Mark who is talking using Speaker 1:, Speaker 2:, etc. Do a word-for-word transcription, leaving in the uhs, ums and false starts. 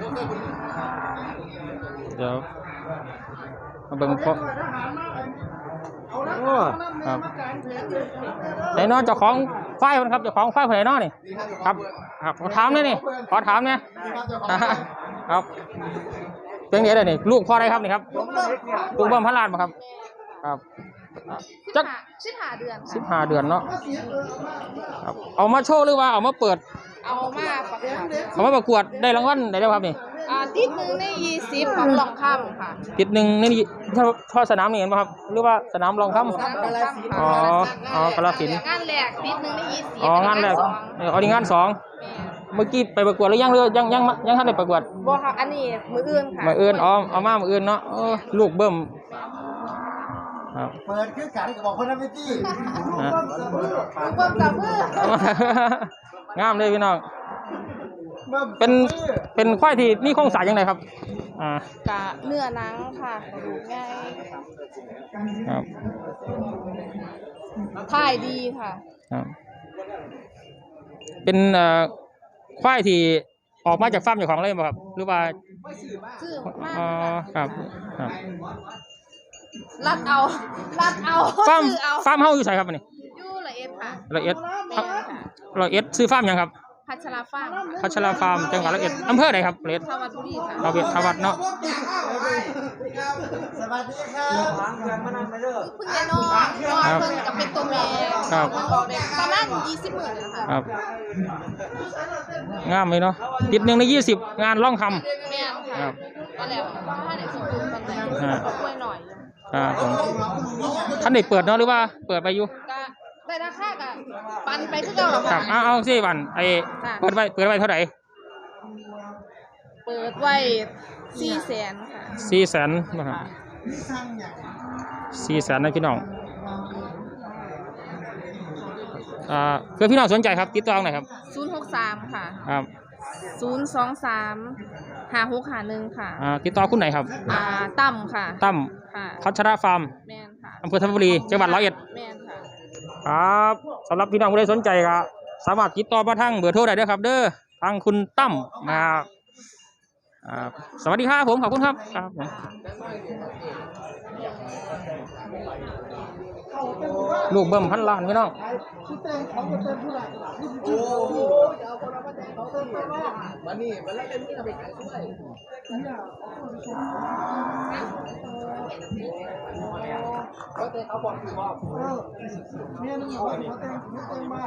Speaker 1: เดี๋ยวมาเบิ่งพอโอ้ครับไหนน้อเจ้าของไฟมันครับเจ้าของไฟไหนน้อนี่ครับครับขอถามเลยนี่ขอถามเนี่ยครับเป็นไงเลยนี่ลูกพ่ออะไรครับนี่ครับลูกเบิ้มพันล้านป่ะครับครับจัก
Speaker 2: สิบห้าเดือน
Speaker 1: สิบห้าเดือนเนาะครับเอามาโชว์หรือว่าเอามาเปิด
Speaker 2: เอามาประกวด
Speaker 1: เอามาประกวดได้รางวัลได้แล้วครับนี่
Speaker 2: อ่าติดหนึ่งในยี่สิบของรองคำค่ะ
Speaker 1: ติดหนึ่งในท่อสนามนี่เห็นป่ะครับหรือว่าสนามรองคำอ๋ออ๋อกระสิน
Speaker 2: งานแรกติดหนึ่งในยี่สิบ
Speaker 1: อ๋องานแรกอ๋อนี่งานสองเมื่อกี้ไปประกวดหรือยังหรือยังยังยังท่านได้ประกวด
Speaker 2: บ่ค่ะอันนี้มืออื่นค่ะ
Speaker 1: มืออื่นอ๋อเอามามืออื่นเนาะลูกเบิ้ม
Speaker 3: เปิดขึ้นการที่บอกคนนั้นไม่จี้
Speaker 2: ลูกเบิ้มกับมื
Speaker 1: องามเลยพี่น้องเป็นเป็นควายที่นี่โครงสร้างยังไงครับอ่าก
Speaker 2: ะเนื้อหนังค่ะดูง่าย
Speaker 1: ครับ
Speaker 2: ถ่ายดีค่ะ
Speaker 1: ครับเป็นเอ่อควายที่ออกมาจากฟาร์มเจ้าของเลยป่ะครับหรือว่า
Speaker 2: ซื้อมา
Speaker 1: อ๋อครับครับ
Speaker 2: รัดเอารัดเอา
Speaker 1: ฟาร์มฟาร์มเฮาอยู่ไสครับอันนี้
Speaker 2: อยู่ละเอียดค่ะ
Speaker 1: ละเอียดละเอียดซื้อฟาร์มยังครับ
Speaker 2: พัชราฟาร์ม
Speaker 1: พัชราฟาร์มจังหวัดละเอียดอำเภอไหนครับละเอียด
Speaker 2: ทวัดบุรีค่ะ
Speaker 1: เราเป็นทวัดเนาะ
Speaker 3: สวัสดีครับ
Speaker 2: คุณยายน้องน้องเพิ่งกับเป็นตัวแม่
Speaker 1: ครับ
Speaker 2: ประมาณยี่สิบหมื่นนะคะ
Speaker 1: ครับงามเลยเนาะติดหนึ่งในยี่สิบงานล่องคำ
Speaker 2: แม่ค่ะก็แล้วถ้าไหนสมบูรณ์ตอนไหนช่วยหน่อย
Speaker 1: ครับผมท่านได้เปิดเนาะหรือว่าเปิดไปอยู่
Speaker 2: ได้ราคากับปันไปคือเก่าหรอ
Speaker 1: ครับเอาเอาสิปันไอเปิดไว้เปิดไว้เท่าไหร่
Speaker 2: เปิดไว้สี่แสนค่ะ
Speaker 1: สี่แสนนะครับสี่แสนนะพี่น้องอ่าเพื่อพี่น้องสนใจครับติดต่อหน่อยครับ
Speaker 2: ศูนย์หกสามค่ะ
Speaker 1: ครับ
Speaker 2: ศูนย์สองสามห้าหกห้าหนึ่งค่ะ
Speaker 1: อ่าติดต่อคุณไหนครับ
Speaker 2: อ่าตั้มค่ะ
Speaker 1: ตั้ม
Speaker 2: ค่ะ
Speaker 1: พัชราฟาร์ม
Speaker 2: แมนค่ะ
Speaker 1: อำเภอธัญบุรีจังหวัดร้อยเอ็ด
Speaker 2: แมนค่ะ
Speaker 1: ครับสำหรับพี่น้องผู้ใดสนใจครับสามารถติดต่อมาทางเบอร์โทรได้ด้วยครับเด้อทางคุณตั้มมาสวัสดีครับผมขอบคุณครับครับลูกเบิ่มพันล้านพี่น้อง
Speaker 3: มานี่มาแล้วเป็นที่ทำเป็นการช่วยเขาเตะเขาบอกคือบอกเนี่ยนึกว่าเขาเตะเขาเตะมาก